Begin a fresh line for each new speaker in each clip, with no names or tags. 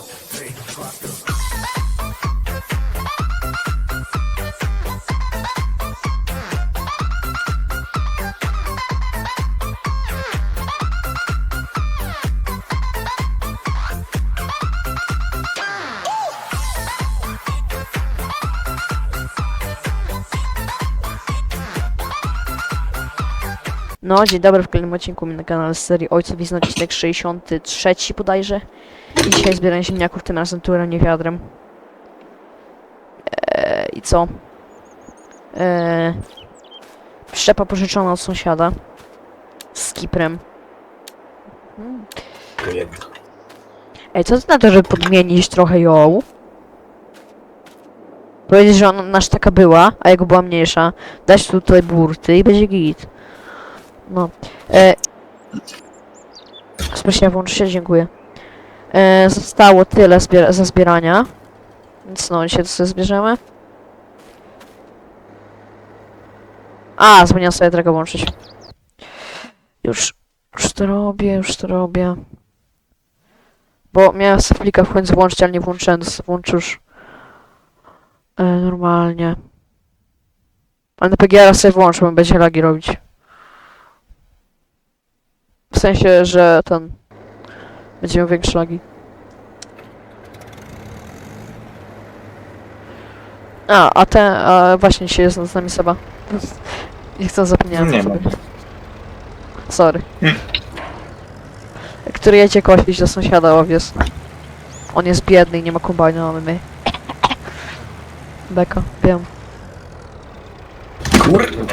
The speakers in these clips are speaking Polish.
No, dzień dobry, w kolejnym odcinku na kanale z serii Ojców Wizny, odcinek 63 bodajże. I dzisiaj zbieranie ziemniaków, tym razem turem, nie wiadrem. I co? Szczepa pożyczona od sąsiada. Z kiprem. Ej, co ty na to, żeby podmienić trochę ją? Powiedzieć, że ona nasz taka była, a jego była mniejsza. Dać tutaj burty i będzie git. No. Spróbuję włączyć się, dziękuję. Zostało tyle za zbierania. Więc no, dzisiaj to sobie zbierzemy. A, zapomniałem sobie tego włączyć. Już to robię. Bo miałem sobie flika w końcu włączyć, ale nie włączyłem, to sobie włączę już normalnie. Ale na PGR sobie włączę, bo będzie lagi robić. W sensie, że ten... będzie miał większe lagi. A właśnie dzisiaj jest z nami Seba. Nie chcę, zapomniałem
Nie
sobie. Sorry. Który jedzie kosić do sąsiada owiec. On jest biedny i nie ma kombajnu, mamy my. Beka, wiem.
Kurwa.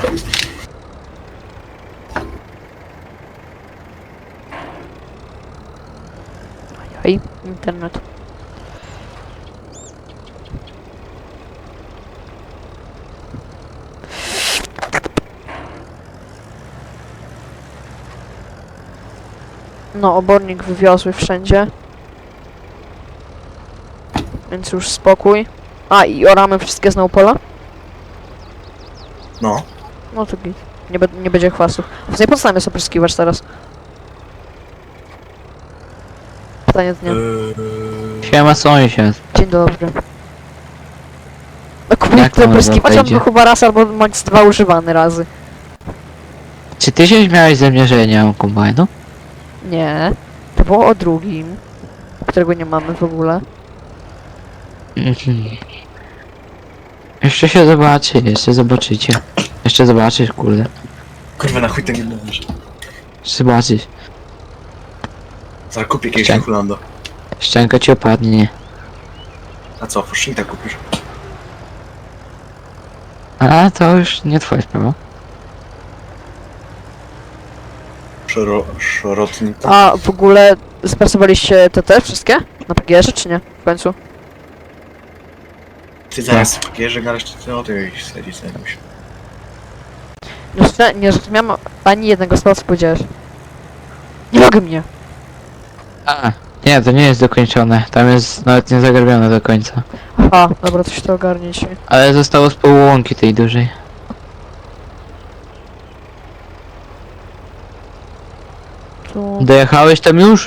Hej, internet. No, obornik wywiozły wszędzie. Więc już spokój. A, i oramy wszystkie znowu pola?
No.
No to git. Nie będzie chwastów. W tej podstawie jest opryskiwacz teraz. Pytanie dnia.
Siema sąsiad.
Dzień dobry. No kurde,
Jak tam
opryskiwacz on
wejdzie?
był chyba raz albo max 2 używany razy.
Czy ty się śmiałeś ze mnie, że ja nie mam kombajnu?
Nie. To było o drugim. Którego nie mamy w ogóle.
Mhm. Jeszcze się zobaczy, jeszcze zobaczycie. Jeszcze zobaczysz, kurde.
Kurwa, na chuj to nie mówisz.
Zobaczysz.
Zaraz kupię jakiegoś
Chciałem.
Hulando.
Szczęka ci opadnie.
A co, Forschita kupisz?
A to już nie twoja sprawa.
Szorotnika.
A w ogóle spracowaliście te wszystkie? Na PGR-ze czy nie? W końcu.
Ty zaraz bierze garaż, ty o tej serii sobie musi.
Nie zrozumiałem ani jednego słowa, co powiedziałeś. Nie mogę mnie.
A, nie, to nie jest dokończone. Tam jest nawet nie zagrabione do końca.
Aha, dobra, to się to ogarniecie.
Ale zostało z pół łąki tej dużej.
Tu...
Dojechałeś tam już?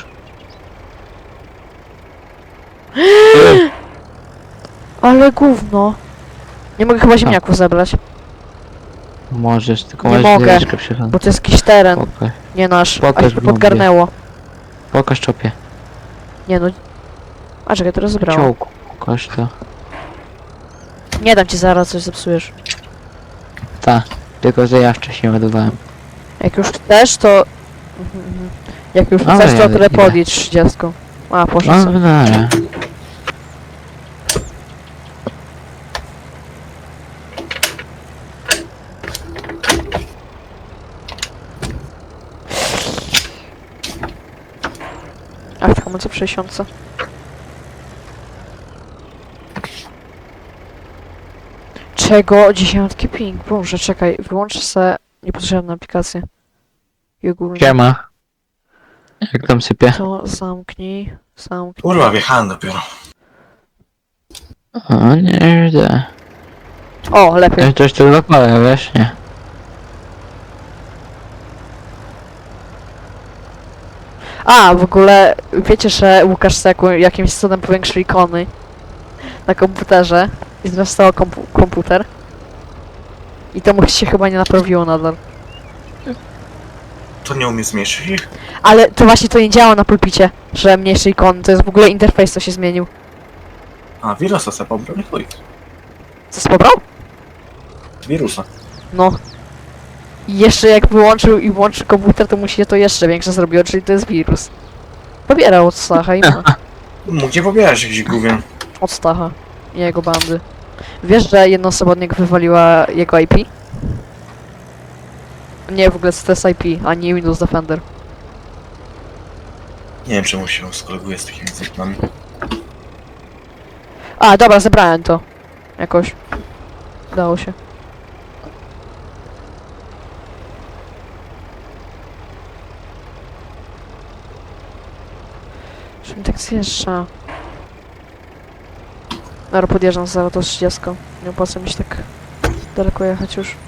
Ale gówno. Nie mogę chyba ziemniaków zebrać,
Możesz, tylko
Nie
możesz
mogę.
drzeczkę przyjechać.
bo to jest jakiś teren,
Pokaż,
nie nasz, a
Pokaż
się tu
w lubię.
podgarnęło.
pokaż czopie.
Nie no. A czekaj, teraz zebrałem.
Ciołku, pokaż to.
Nie dam ci zaraz, coś zepsujesz.
Ta, tylko że ja wcześniej ładowałem.
Jak już chcesz, to... Jak już
Dobra,
chcesz, to
jadę,
tyle
idę.
podjedź 30. A, poszedł
No,
sobie.
dobra.
A w hamulce w 60. Czego? Dzisiaj mam taki ping. Boże, czekaj, wyłączę se niepotrzebne aplikacje. I ogólnie
Siema. Jak tam sypie?
to zamknij.
Kurwa, wjechałem dopiero.
O, nie widzę.
O, lepiej.
Coś tu zapalę, wiesz, nie?
A, w ogóle wiecie, że Łukasz Seku jakimś cudem powiększył ikony na komputerze i zresztą komputer. I to mu się chyba nie naprawiło nadal.
To nie umie zmniejszyć ich?
Ale to właśnie to nie działa na pulpicie, że mniejsze ikony, to jest w ogóle interfejs, co się zmienił.
A, wirusa se pobrał, nie chuj.
Co pobrał?
Wirusa.
No. I jeszcze jak wyłączył i włączył komputer, to mu się to jeszcze większe zrobiło, czyli to jest wirus. Pobierał od Stacha i ma.
Mógł nie pobierać jakiś gówien.
Od Stacha i jego bandy. Wiesz, że jedna osoba od niego wywaliła jego IP? Nie, w ogóle to jest IP, a nie Windows Defender.
Nie wiem czemu się skoleguje z takimi zwykłymi.
A, dobra, zebrałem to. Jakoś. Udało się. Czym tak zjeżdża? Dobra, podjeżdżam za to 30. Nie opłaca mi się tak daleko jechać już.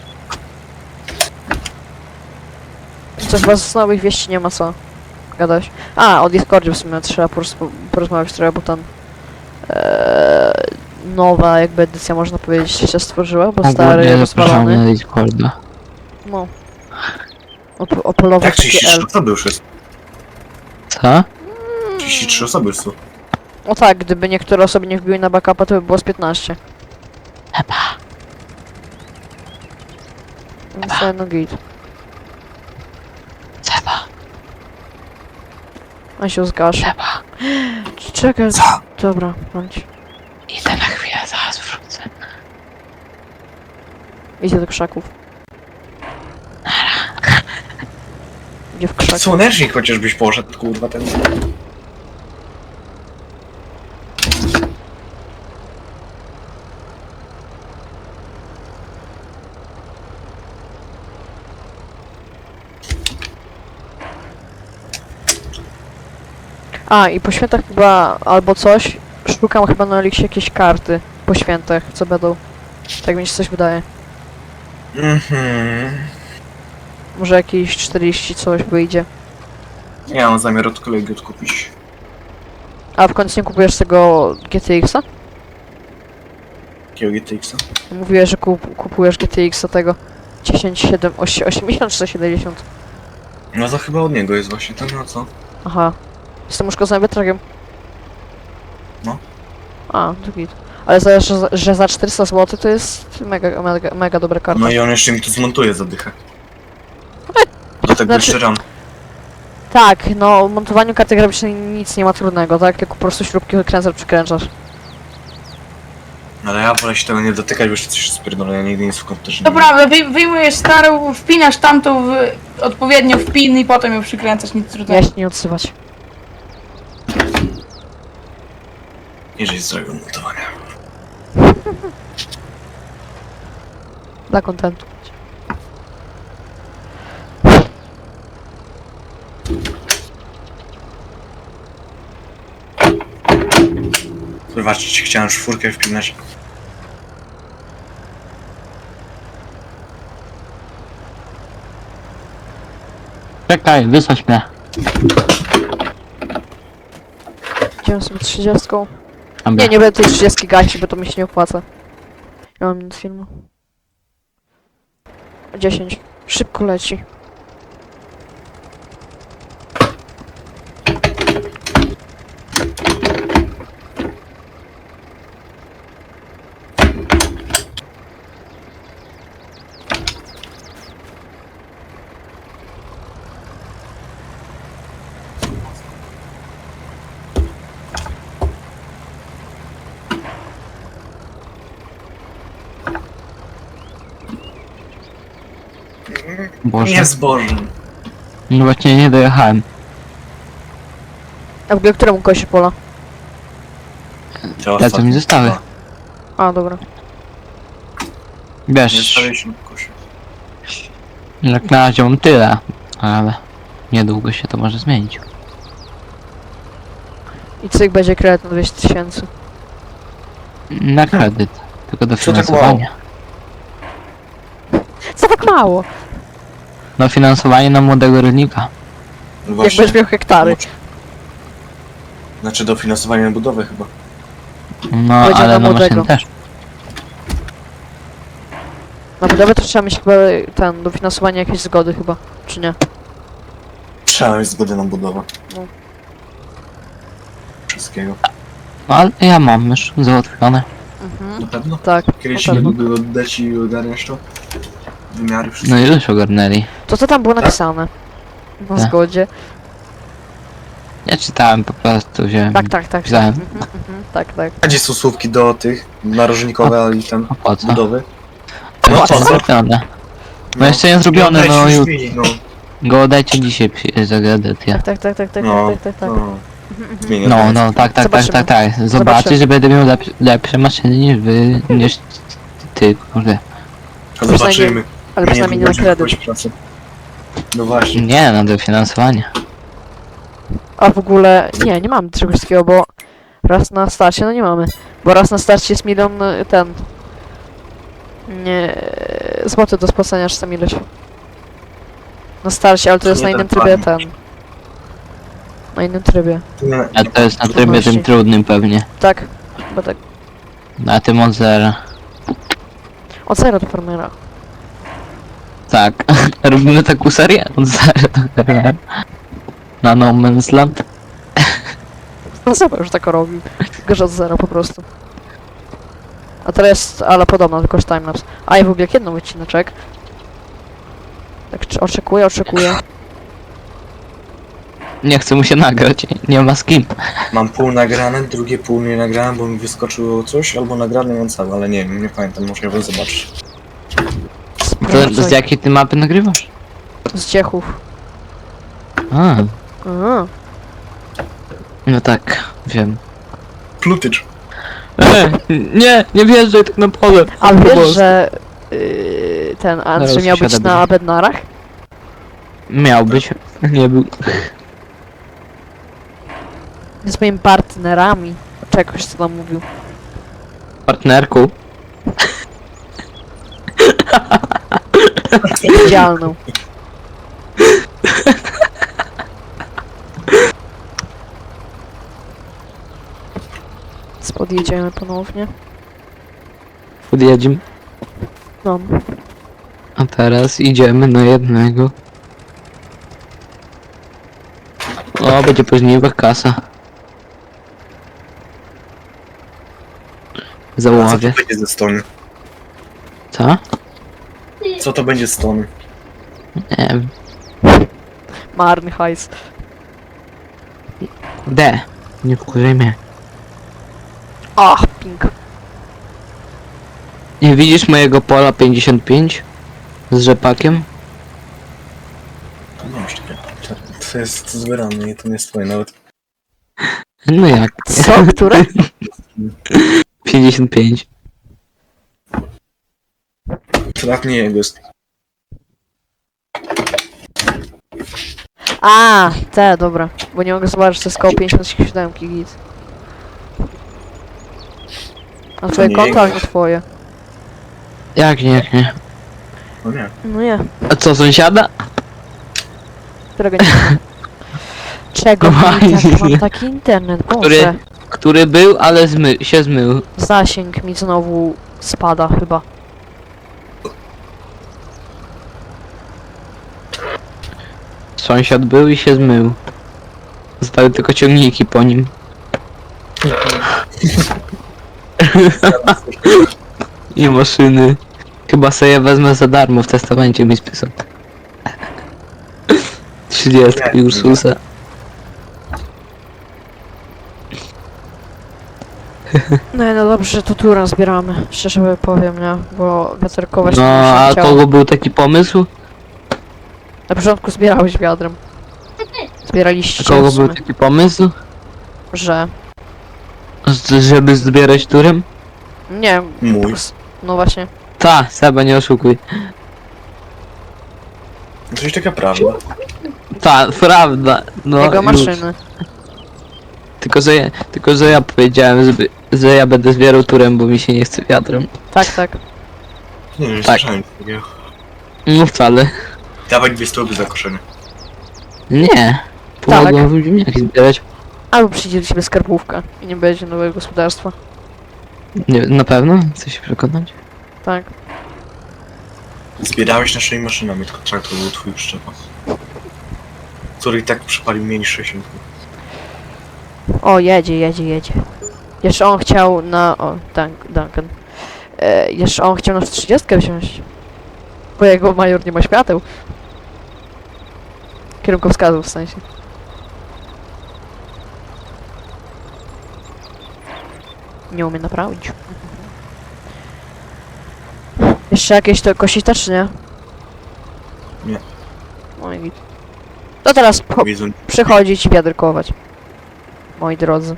Coś was z nowych wieści nie ma co gadać. A, o Discordzie w sumie trzeba porozmawiać trochę, bo tam nowa jakby edycja, można powiedzieć, się stworzyła, bo stary
Ogólnie zapraszamy
rozwalony.
na Discorda.
No. Opolował
Jak
taki
33
L.
osoby już jest?
Co?
33 osoby już są.
O tak, gdyby niektóre osoby nie wbiły na backupa, to by było z 15.
Chyba.
Więc no git.
Trzeba.
A się zgasz.
Trzeba.
Czekaj.
Co?
Dobra, bądź.
Idę na chwilę, zaraz wrócę.
Idzie do krzaków. Idzie w krzak.
Słonecznik chociażbyś poszedł, kurwa, ten.
A, i po świętach chyba, albo coś, szukam chyba na Elixie jakieś karty po świętach, co będą. Tak mi się coś wydaje.
Mhm.
Może jakieś 40 coś wyjdzie.
Ja mam zamiar od kolegi odkupić.
A w końcu nie kupujesz tego GTX-a?
Jakiego GTX-a?
Mówiłeś, że kupujesz GTX-a tego 1070, 80 czy 70.
No to chyba od niego jest właśnie ten, no co?
Aha. Jestem uszkodzonym wiatrakiem.
No.
A, to git. Ale za, że za 400 zł to jest mega dobra karta.
No i on jeszcze mi tu zmontuje za dychę. Do tego
Znaczy-
jeszcze RAM.
Tak, no w montowaniu karty graficznej nic nie ma trudnego, tak? Tylko po prostu śrubki odkręcasz, przykręcasz.
Ale ja wolę się tego nie dotykać, bo jeszcze coś spierdolę, ja nigdy nic w komputerze
To
nie
prawda, wyjmujesz starą, wpinasz tamtą odpowiednio w pin i potem ją przykręcasz, nic
Ja
trudnego.
się nie odsywać.
Jeżeli z złego montowania.
Dla kontentu.
Zobaczcie, chciałem czwórkę wpinać.
Czekaj, wysadź mnie.
Idziemy sobie 30.
Dobra.
Nie będę tej 30 gasić, bo to mi się nie opłaca. Ja mam minut filmu. 10. Szybko leci.
Boże.
Nie zbożem.
No właśnie nie dojechałem.
A w ogóle któremu kosie pola?
Te
Te co mi zostały.
A, dobra.
Nie
Wiesz,
zostawię na kosie.
jak na razie mam tyle, ale niedługo się to może zmienić.
I cyk będzie kredyt na 200 000.
Na kredyt, tylko do
Co tak
finansowania.
Co tak mało?
No finansowanie na młodego rolnika.
No
Jak będziesz miał hektary.
Znaczy dofinansowanie na budowę chyba.
No,
Powiedział
ale
na
na
młodego.
maszyn też.
Na budowę to trzeba mieć chyba dofinansowanie jakieś zgody chyba, czy nie?
Trzeba mieć zgodę na budowę.
No.
Wszystkiego.
No, ale ja mam już załatwione.
Mhm.
Na pewno?
Tak,
Kiedyś
na
nie
pewno.
były oddać i ogarniasz to? Wymiary
No
wszystkie.
i już ogarnęli.
To co tam było napisane? Na
Tak.
zgodzie.
Ja czytałem po prostu, wziąłem.
Tak.
Wziąłem.
Tak.
A gdzie są słówki do tych narożnikowe i tam
A po co?
budowy?
No,
po
to
co?
zrobione. No jeszcze nie zrobione,
Weź
no
już
już.
zmieni, no.
Go oddajcie dzisiaj za edycję.
Tak.
No,
Tak.
no. Zmienię
No,
to.
no, tak.
Zobaczymy.
Zobaczysz,
Zobaczymy.
że będę miał lepsze maszyny niż wy, niż ty, kurde.
A zobaczymy.
Ale przynajmniej nie na
będziemy
kredyt.
kogoś pracę. No właśnie.
Nie, na dofinansowanie.
A w ogóle, nie mamy czegoś takiego, bo raz na starcie, no nie mamy. Bo raz na starcie jest milion, nie, złoty do spłacenia, czy tam ileś. Na starcie, ale to jest
Nie
na innym
ten
trybie
plan.
Na innym trybie.
Nie,
A to jest na trybie
Trudności.
tym trudnym pewnie.
Tak, chyba tak.
Na tym od zera.
Od zera do farmera.
Tak. Robimy taką serię od zera do zera. Na No Man's Land.
No zobacz, już tak robił. Tylko, że od zera po prostu. A teraz jest, ale podobno, tylko że timelapse. A ja w ogóle jak jedną wycineczek. Tak, oczekuję.
Nie chce mu się nagrać, nie ma z kim.
mam pół nagrane, drugie pół nie nagrałem, bo mi wyskoczyło coś, albo nagrane mam całe, ale nie wiem, nie pamiętam, może ja zobaczyć.
To z jakiej ty mapy nagrywasz?
Z Ciechów.
A,
Aha.
no tak, wiem.
Plutycz.
Nie wjeżdżaj tak na pole.
A wiesz,
Boże.
że ten Andrzej
Zaraz
miał być
wsiada
na
będzie.
Bednarach?
Miał być, nie był.
Z moimi partnerami. Czegoś co tam mówił.
Partnerku.
Widzialną. Podjedziemy ponownie.
Podjedziemy.
No.
A teraz idziemy na jednego. O, będzie później kasa.
A co to
Załowie.
będzie ze stony?
Co?
Co to będzie z stony?
Nie wiem.
Marny hajs.
D. Nie wkurzaj mnie.
Ach, pink.
Nie widzisz mojego pola 55? Z rzepakiem?
To nie wiem, czekaj. To jest zbierane i to nie jest twoje nawet.
No jak?
Co? Które?
55.
To nawet nie jego jest.
A, te, dobra. Bo nie mogę zobaczyć, to jest koło 57 git. A twoje
nie
konto, ale
jego.
nie twoje.
Jak nie?
No nie.
No nie,
A co, sąsiada?
którego nie mam. Czego
No
mi tak
właśnie.
mam taki internet, Boże.
Który był, ale się zmył.
Zasięg mi znowu spada chyba.
Sąsiad był i się zmył. Zostały tylko ciągniki po nim. I maszyny. Chyba sobie je wezmę za darmo, w testamencie mi spisał. 30 Ursusa.
No dobrze, że to turę zbieramy. Szczerze powiem, nie? Bo wiaterkować
No,
to mi się
a
chciało.
kogo był taki pomysł?
Na początku zbierałeś wiadrem.
A
Zbieraliście
kogo
w sumie,
był taki pomysł?
że...
Żeby zbierać turem?
Nie,
Mój.
no właśnie.
Ta, Seba, nie oszukuj.
To jest taka prawda.
Ta, prawda. No,
Jego
już.
maszyny.
Tylko, że ja powiedziałem, że ja będę zbierał turem, bo mi się nie chce wiatrem.
Tak.
Nie wiem, nie
Tak.
słyszałem takiego.
No wcale.
Dawać 2 stóp za koszenie.
Nie. Pomogą wam ziemniaki zbierać.
Albo przyjdzie do ciebie skarbówka i nie będzie nowego gospodarstwa.
Nie, na pewno? Chcesz się przekonać?
Tak.
Zbierałeś naszymi maszynami, tylko traktor był twój przyczepa. Który i tak przypalił mniej niż 60.
O, jedzie. Jeszcze on chciał na... O, Duncan. Jeszcze on chciał nas 30 wziąć. Bo jego major nie ma świateł. Kierunkowskazów w sensie. Nie umie naprawić. Jeszcze jakieś to kosić też, czy nie?
Nie.
Oj, git. To teraz
Widzą.
przychodzić i wiaderkować. Moi drodzy.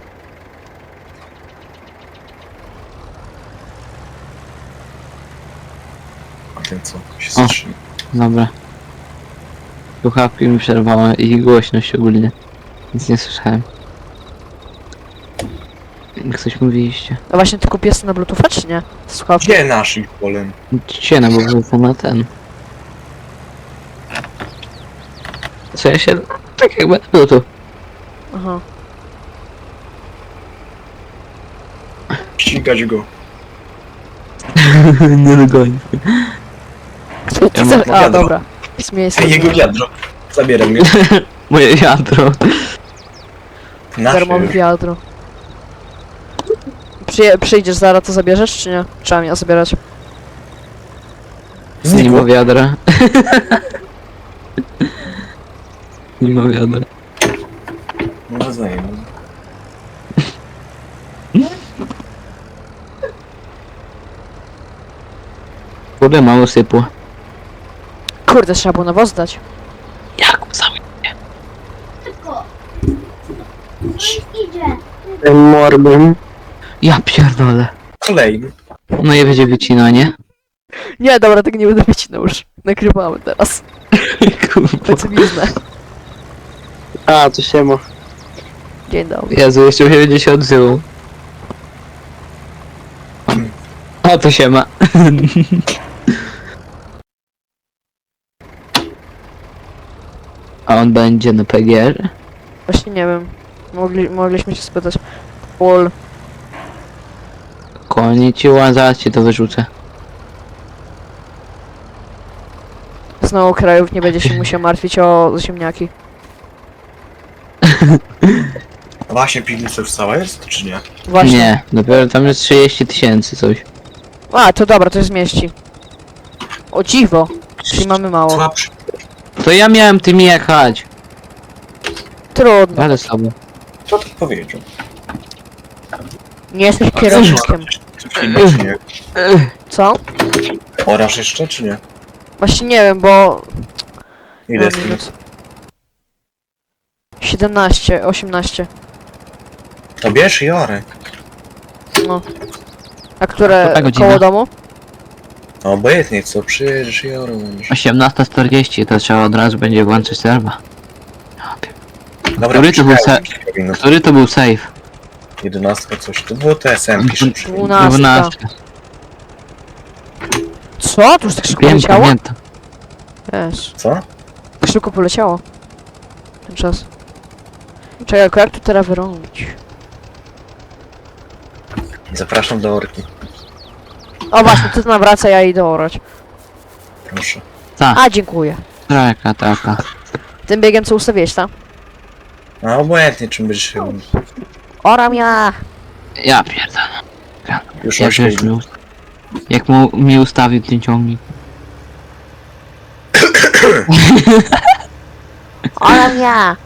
A ten co? Się
O.
zatrzyma.
Dobra. Słuchawki mi przerwały i głośność ogólnie. Nic nie słyszałem. Jak coś mówiliście.
No właśnie, ty kupiłeś na Bluetootha, czy nie? Słuchawki.
Gdzie nasz ich polem?
Ciena, bo wrócę na ten. Co ja się... Tak jakby było tu.
Aha.
Ścigać go.
Nie dogoni. Ja mam
A,
wiadro.
dobra. Śmieję się.
Jego wiadro. Zabieram je.
Moje wiadro.
Nasze
Darmowe
już.
wiadro. Przyjdziesz zaraz, to zabierzesz, czy nie? Trzeba mnie zabierać.
Nie
Znikło.
ma wiadra. Nie ma wiadra.
No znaję.
Kurde, mało sypło.
Kurde, trzeba było nawóz dać.
Jak cały
Idzie.
morbem. Ja pierdolę.
Kolejny.
No i będzie wycinanie.
Nie, dobra, tego nie będę wycinał już. Nagrywamy teraz.
Kurwa.
Pecywiznę.
A, to się ma.
Dzień dobry.
Jezu, jeszcze się będzie się odzywał. A to się ma. A on będzie na PGR?
Właśnie nie wiem. Mogliśmy się spytać. Pol.
Konnichiwa, zaraz ci to wyrzucę.
Znowu krajów nie będzie się musiał martwić o ziemniaki.
A właśnie piwnica już cała jest, czy nie?
Właśnie.
Nie, dopiero tam jest 30 tysięcy coś.
A, to dobra, to się zmieści. O dziwo. Czyli mamy mało.
Słabszy.
To ja miałem tym jechać.
Trudno.
Ale sobie.
Co to powiedział?
Nie jesteś
A
kierownikiem.
Coś innego, czy nie?
Co?
Orasz jeszcze, czy nie?
Właśnie nie wiem, bo...
Ile
Mam
jest
minut.
minut?
17, 18.
To bierz i orę.
No. A które
Która godzina?
koło domu?
No obojętnie co, przyjedziesz i orę będziesz.
18:40, to trzeba od razu będzie włączyć serwa.
Dobra,
Który to był
poczekaj, kilka minut.
Który to był save?
11 coś, to było te SM-ki szybsze.
12.
12.
Co? Tu już tak szybko
Wiem,
poleciało?
pamiętam.
Wiesz,
Co?
tak szybko poleciało. Ten czas. Czekaj, jak tu teraz wyrobić?
Zapraszam do orki.
O właśnie, ty nawraca, ja idę orać.
Proszę.
A, dziękuję.
Taka, taka.
Tym biegiem co ustawiłeś, tak?
A obojętnie czym będziesz się...
Oram ja!
Ja pierdolę.
Już
Jak,
8
żeś jak mi ustawił ten ciągnik.
Oram ja!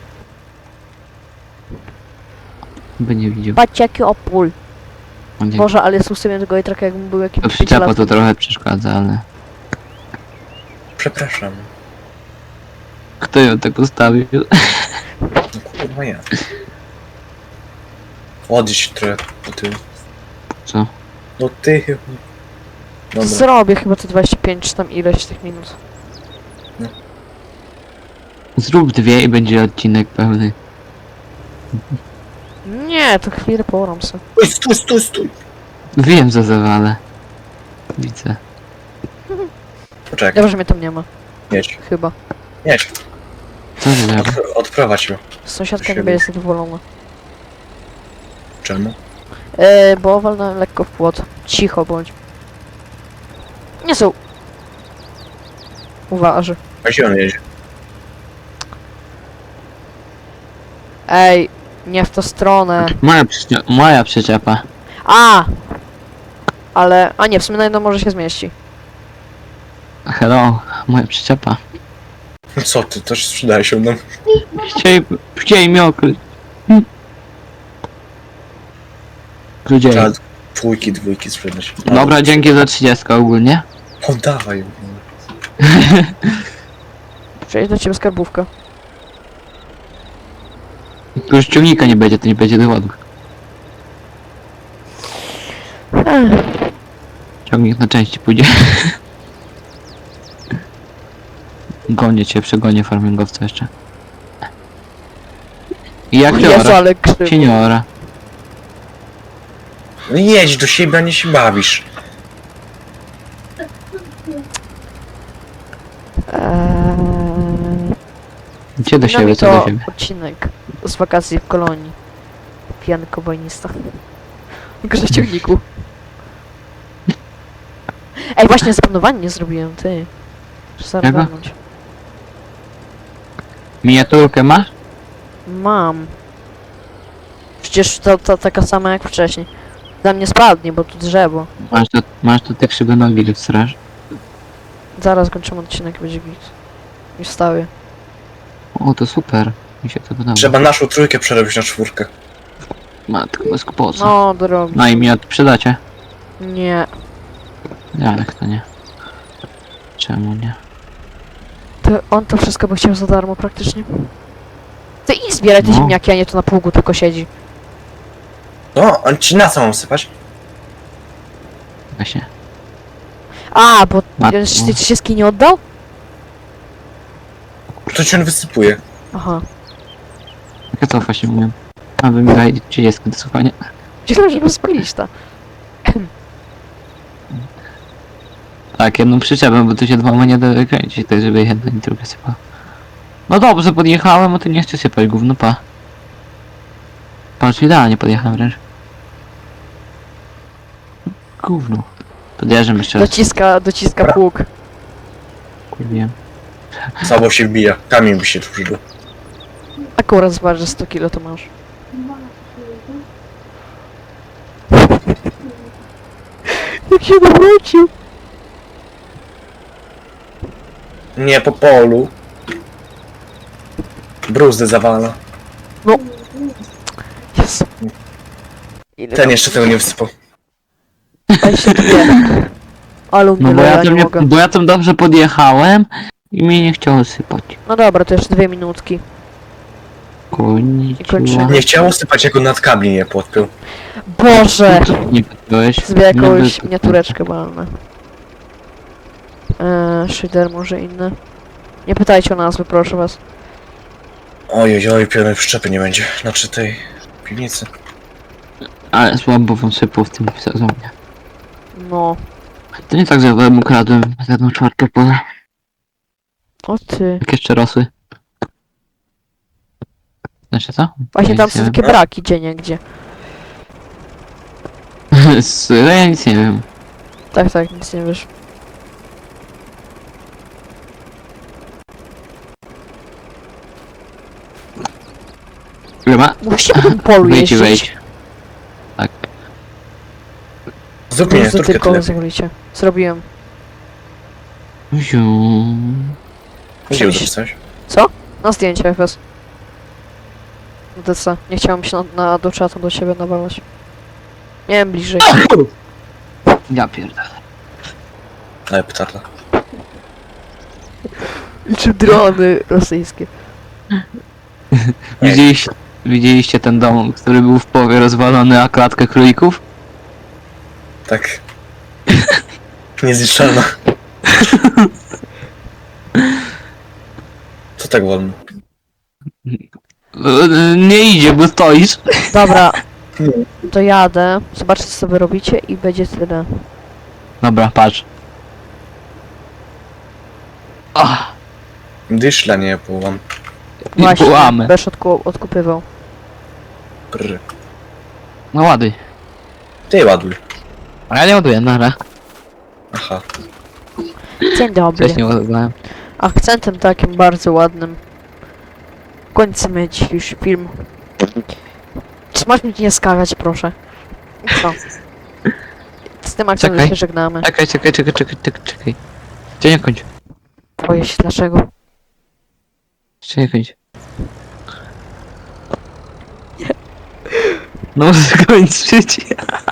By nie widział.
Patrzcie jaki opól.
On nie...
Boże, ale jest ustawiony tego traka jakbym był jakimś
To przyczepa to trochę przeszkadza, ale...
Przepraszam.
Kto ją tak ustawił?
No kurwa ja. Odjedź trochę do tyłu.
Co?
Do tyłu. Dobra.
Zrobię chyba te 25 czy tam ileś tych minut.
Zrób 2 i będzie odcinek pełny.
Nie, to chwilę poram se.
Stój!
Wiem, co zawalę. Widzę.
Poczekaj,
Dobrze, że mnie tam nie ma.
jedź.
Chyba.
Jedź.
Co zrobię?
Odprowadź ją.
Sąsiadka nie
Siebie.
będzie zadowolona.
Czemu?
Bo walnąłem lekko w płot. Cicho bądź. Nie są. Uważy.
A gdzie on jedzie?
Ej, nie w tę stronę.
Moja przyczepa.
A! Ale, a nie, w sumie na jedno może się zmieści.
Hello, moja przyczepa.
Co ty, też sprzedaje się nam.
Chcieli mnie okryć. Ludzie.
Trzeba dwójki sprzedać.
Dobra, dzięki za 30 ogólnie.
O, dawaj ją.
Przejdź do ciebie skarbówka.
Tu już ciągnika nie będzie, to nie będzie dowodu. Ciągnik na części pójdzie. Gonię cię, przegonię farmingowca jeszcze. I jak
Jezu,
teora?
ale krzywo.
Seniora.
No jedź do siebie, a nie się bawisz.
Gdzie do
No
siebie,
mi
co do
to
siebie?
odcinek z wakacji w kolonii. Pijany kobojnista. Grze w ciągniku. Ej, właśnie zapanowanie nie zrobiłem, ty. Muszę
Czego?
zagarnąć.
Miniaturkę masz?
Mam. Przecież to taka sama jak wcześniej. Dla mnie spadnie, bo tu drzewo.
Masz do tych szybonogi do straż.
Zaraz kończymy odcinek, będzie git. I wstawię.
O, to super. Mi się to podoba.
Trzeba naszą trójkę przerobić na czwórkę.
Matko, bez kłopotu.
No, drogi.
No i mi sprzedacie?
Nie.
Jak to nie? Czemu nie?
To on to wszystko by chciał za darmo praktycznie. Ty i zbieraj te
No.
ziemniaki, a nie to na pługu tylko siedzi.
No, on ci na co mam sypać?
Właśnie.
A, bo
Matko.
ty ci się ski nie oddał?
To ci on wysypuje.
Aha.
Jak to właśnie mówię? A wy mi dajcie 30 do słuchania.
Myślałem, żeby spalić to.
Tak, jedną przyczepę, bo tu się dwoma nie da wykręcić, tak żeby jedno i drugie sypało. No dobrze, podjechałem, a ty nie chcę sypać, gówno pa. Patrz, idealnie podjechałem wręcz. Gówno. Podjeżdżam jeszcze raz,
Dociska pług.
kurwiłem.
Słabo się wbija. Kamień by się tu przydał.
Akurat zobacz, że 100 kilo to masz. Jak się nawrócił.
Nie po polu. Bruzdy zawala.
Jezu. Ile
Ten jeszcze tego nie wysypał.
tam się bije. Ale
No bo
ja nie mogę.
bo ja tam dobrze podjechałem i mnie nie chciało sypać.
No dobra, to jeszcze 2 minutki.
Koniec.
I kończymy.
Nie chciało sypać, jak on nad kabli nie podpiął.
Boże!
Nie podpiąłeś.
Sobie jakąś
Nie
miniatureczkę balne. Shader może inny. Nie pytajcie o nazwy, proszę was.
Ojej, pełnej przyczepy nie będzie. Znaczy tej piwnicy.
Ale słabo wam sypał w tym sezonie.
No.
To nie tak, że ja wam ukradłem za 1/4 pole.
O ty.
Jak jeszcze rosły. Znaczy co?
Właśnie
Ja
tam
nic
są
nie
takie braki gdzieniegdzie.
wiem. Ja nic nie wiem.
Tak, nic nie wiesz.
Ile ma?
Musicie po tym polu
Wejdź,
jeździć.
wejdź. Tak.
Zrób
Może
miniaturkę
tylko
tyle.
zrobicie. Zrobiłem.
Ziu.
Gdzie
Przemyśl-
dopisałeś?
Na zdjęcie FS. No to co? Nie chciałem się do czatu do siebie nawalać. Miałem bliżej.
Ja pierdolę.
Ale petarda.
Czy drony rosyjskie.
Widzieliście ten dom, który był w połowie rozwalony, a klatkę królików?
Tak. Niezniszczalna. Co tak wolno?
Nie idzie, bo stoisz.
Dobra. To jadę. Zobaczcie co wy robicie i będzie tyle.
Dobra, patrz. Ach,
Dyszla nie połam.
I
Właśnie,
bułamy.
Besz odkupywał.
Brr.
No ładuj.
Ty ładuj.
A ja nie ładuję, nara.
Aha.
Dzień dobry.
Wcześniej ładowałem.
Akcentem takim bardzo ładnym. Kończymy dzisiejszy film. Czy masz mnie nie skakać, proszę? Co? Z tym akcentem
Czekaj.
się żegnamy.
Czekaj. Cię nie kończ.
Boję się dlaczego.
Jeszcze nie kończ. No skończyć.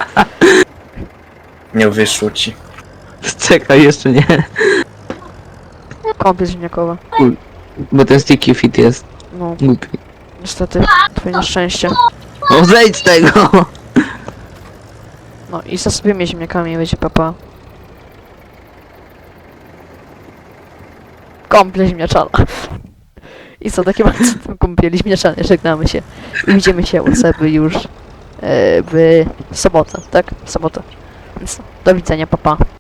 Nie wyszło ci.
Czekaj, jeszcze nie.
Kąpiel ziemniakowa.
Bo ten sticky fit jest
No,
głupi.
niestety, twoje nieszczęście.
No zejdź z tego!
No i zasypiemy ziemniakami, będzie papa. Kąpiel ziemniaczana. I co, takim akcentem kąpieli ziemniaczanej żegnamy się. I widzimy się u Seby już w sobotę, tak? W sobotę. Więc do widzenia, papa.